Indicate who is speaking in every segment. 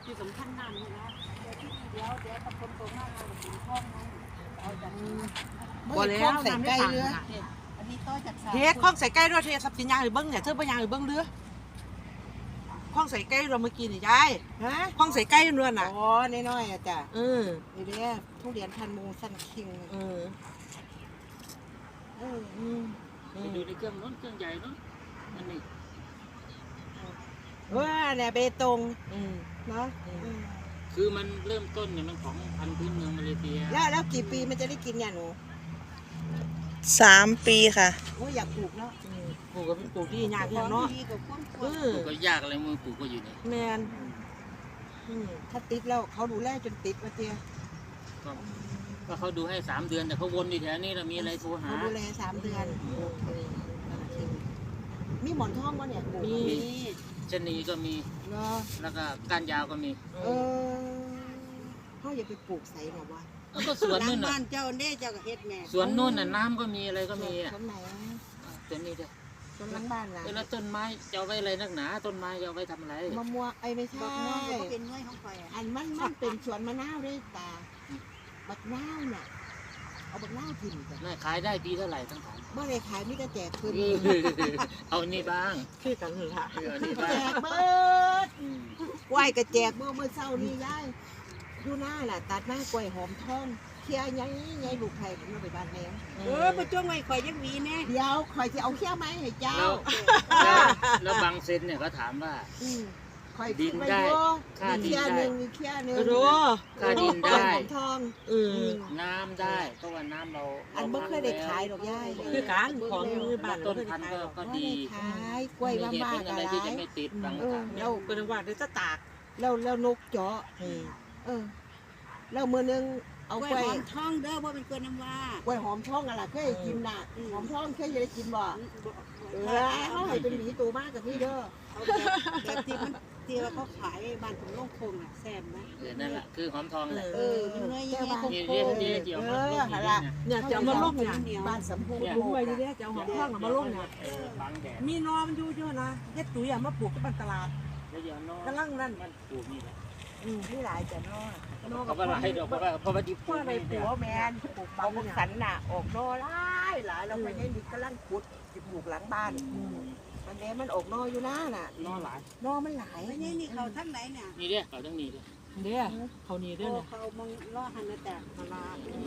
Speaker 1: ที่สำคัญนั่นนี่นะเดี๋ยวตะคนตรงหน้าเราถึงห้องนั้นเอาจาก
Speaker 2: บ่แล้วใส่ใกล้เรือ
Speaker 1: อันนี้ต่อจาก
Speaker 2: เฮ็ดข้องใส่ใกล้ด้วยเทสับสินยางหรือเบิ้งเนี่ยเธอบ่ยางหรือเบิ้งเรือข้องใส่ใกล้เราเมื่อกี้นี่ยายฮะข้องใส่ใกล้เรือน่ะ
Speaker 1: อ๋อน้อยๆอ่ะจ้ะนี่เด้อทุเรียนพันมูสันคิง
Speaker 3: ไปดูในเครื่องนู้นเครื่องใหญ่นู้นอันนี้
Speaker 1: ว่าเนี่ยเบตงเนาะ
Speaker 3: คือมันเริ่มต้นเนี่ยมันของพันธุ์พื้นเมืองมาเลเซีย
Speaker 1: แล้วกี่ปีมันจะได้กินเนี่ยหนู
Speaker 4: 3 ปีค่ะ
Speaker 1: โอ้อยากปลูกเนาะ
Speaker 2: ปลูกกับปลูกที่ยากเนาะ
Speaker 3: ปลูกก็ยากอะไรมือปลูกก็อยู่นี่
Speaker 2: แมน
Speaker 1: ถ้าติดแล้วเขาดูแลจนติดมาเตี้ย
Speaker 3: ก็เขาดูให้3 เดือนแต่เขาวนอยู่แถวนี้เรามีอะไรโทรหา
Speaker 1: ดูแล3 เดือนมีหมอนทองวะเนี่ย
Speaker 3: มีชะนีก็มีแล้วก็ก้านยาวก็มี
Speaker 1: เขาอย่าไปปลูกใส่หรอวะ
Speaker 3: ก็สวนนู่นน่ะ
Speaker 1: บ้านเจ้าเน่เจ้าก็เฮ็ดแม่
Speaker 3: สวนนู่นน่ะน้ำก็มีอะไรก็มีอ่ะ
Speaker 1: ต้นไหน
Speaker 3: ต้นนี้เด้อ
Speaker 1: ต้นหลังบ้านล่ะ
Speaker 3: แล้วต้นไม้จะเอาไว้อะไรนักหนาต้นไม้จะเอาไว้ทำอะไร
Speaker 1: มะม่วงไม่ใช่เป็นน้อยของข่อยอันมันเป็นสวนมะนาวด้วยตาบักนาวน่ะเอาบักนาวกินกัน
Speaker 3: น่าขายได้ปีเท่าไหร่ทั้งฐาน
Speaker 1: เมื่อไรขายไม่จะแจกคืน
Speaker 3: เอานี่บ้าง
Speaker 2: คือกันเหรอคะ
Speaker 1: แจกเบิดกล้วยก็แจกเมื่อเช้านี้ยายดูหน้าล่ะตัดไม้กล้วยหอมทองเคี่ยวยัยลูกไผ่ผมเอาไปบ้านแม่ไปจ้วงไว้ข่อยยังวีแน่เดี๋ยวข่อยจะเอาเคี่ยวไม้ให้เจ้า
Speaker 3: แล้วบางเซนเนี่ยเขาถามว่า
Speaker 1: ดินได้ค่าดินได้
Speaker 2: รู้
Speaker 3: ค่าดินได้
Speaker 1: ทอง
Speaker 3: น้ำได้เพราะว่าน้ำเรา
Speaker 1: อันไม่เคยได้ขายดอกย่าย
Speaker 2: คือการของมือบ้าน
Speaker 3: ต้นพันธุ์ก็ดี
Speaker 1: ขายกล้วยบ้าๆ
Speaker 3: อะไรที่จะไม่ติดบาง
Speaker 2: เราเป็นว่าเดี๋ยวจะตาก
Speaker 1: แล้วนกเจาะแล้วมือนึงเอากล้วยหอม
Speaker 4: ทองเด้อว่าเป็นกล้วยน้ำว้าก
Speaker 1: ล้วยหอมทองอะไรเคยกินน่ะหอมทองเคยได้กินบ่เขาให้เป็นหมีตัวมากกับพี่เด้อ
Speaker 4: แบบที่มันเที่ยวเขาขายบ้านของโลกคงอ่ะแซ่บไหม
Speaker 3: นั่นแหละคือหอมทองแหละ
Speaker 4: มันเนยแย่
Speaker 1: คง
Speaker 3: เกี่ยว
Speaker 2: เนี่ยจะมาลูกเนี่ย
Speaker 1: บ้านสำพู
Speaker 2: ปลูกไว้ดีๆจะเอาหอมทองมาลูกเนี่ยมีนอมันอยู่เยอะนะเฮ็ดตุ๋ยมาปลูกที่บ้านตลาดกำลังนั่น
Speaker 3: ปลูกนี่แหละ
Speaker 1: นี่หลายจะนอก
Speaker 3: เขาว่าหลายดอกเพราะว่าดิบ
Speaker 1: เพราะอะไรปลูกแมนปลูกเอาสันน่ะออกนอหลายเราไปยังดิกำลังขุดปลูกหลังบ้านมันนี้มันออกนออยู่นะน่ะ
Speaker 3: นอหลาย
Speaker 1: นอมันหลาย
Speaker 4: นี่เขาทั้งไหนเนี่ย
Speaker 3: นี่เด้อเขาทั้งนี้เด้อ
Speaker 2: เด้อเขานี่เด้อเนี่ย
Speaker 4: เขามองล่อหันนะแต่มาลา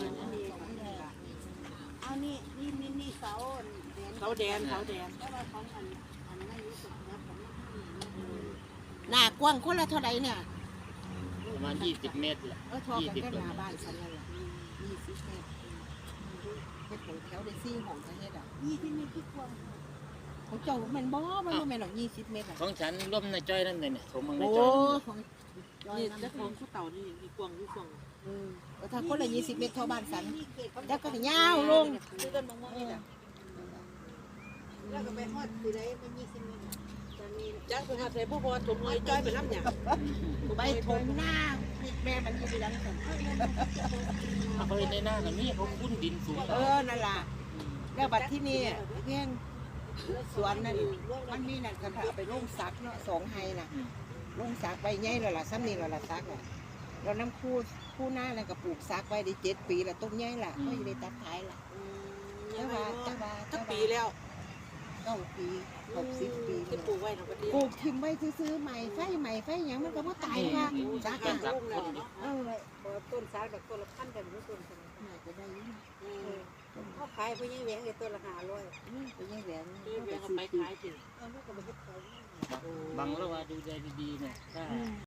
Speaker 4: เอานี่เสา
Speaker 2: แดน
Speaker 4: แต่ว่าของอันไม่รู้สึกนะผม
Speaker 1: หน้ากว้างคนละเท่าไหร่เนี่ย
Speaker 3: ประมาณ20 เมตรแหละ
Speaker 1: 20 เมตรหน้าบ้านฉันเลย20 เมตรเฮ็ดของแถวได้4ห้องจะเฮ็ดอ่ะ
Speaker 4: 20 เมตรที่กว้าง
Speaker 1: ของเจ้ามันบ่มันบ่แม่นหรอก20 เมตร
Speaker 3: ของฉันร่วมในจ้อยนั่นเลยเนี่ยผมมึงใน
Speaker 2: จ้อยนี่เจ้าของผู้เต่านี่มีกวางอยู่กวาง
Speaker 1: ถ้าคนละ20 เมตรเท่าบ้านฉันแล้วก็ยาวลง
Speaker 4: คือต้นมะม่วงนี่แหละแล้วก็ไปฮอดคือได้มัน20 เมตร
Speaker 2: จ้างไปหาใส่ผู้บอลถมเงยจ้อยไปรับเนี่ย
Speaker 1: ไปถมหน้าแม่มันอยู่ที่ดังสัน
Speaker 3: เขาในหน้ากันนี่เขาคุ้นดินสูง
Speaker 1: นั่นแหละแล้วบัดที่นี่เพียงสวนนั่นมันมีนั่นกันเอาไปลงซักเนาะ2 ไฮน่ะลงซักใบใหญ่แล้วล่ะซ้ำนี่แล้วล่ะซักน่ะเราน้ำคู่หน้าแล้วก็ปลูกซักไว้ได้7 ปีแล้วต้นใหญ่ล่ะก็อยู่ในตัดท้ายล่ะ
Speaker 2: ตั้งปีแล้ว
Speaker 1: 9 ปี60 ปี
Speaker 2: ที่ปลูกไว้นะประเดี๋ยว
Speaker 1: ปลูกทิมไว้ซื้อใหม่ไฟอย่างมันก็ว่าตายค่ะซัก
Speaker 3: ซัก
Speaker 4: ต้นซักแบบต้นละ1,000แต่ไม่ต้น
Speaker 1: จะได้
Speaker 4: เขาขายไปยังแหวงต้นละ500
Speaker 1: ไปยังแหวง
Speaker 2: ไปขายถึง
Speaker 3: บางแล้วว่าดูใจดีๆเนี่ย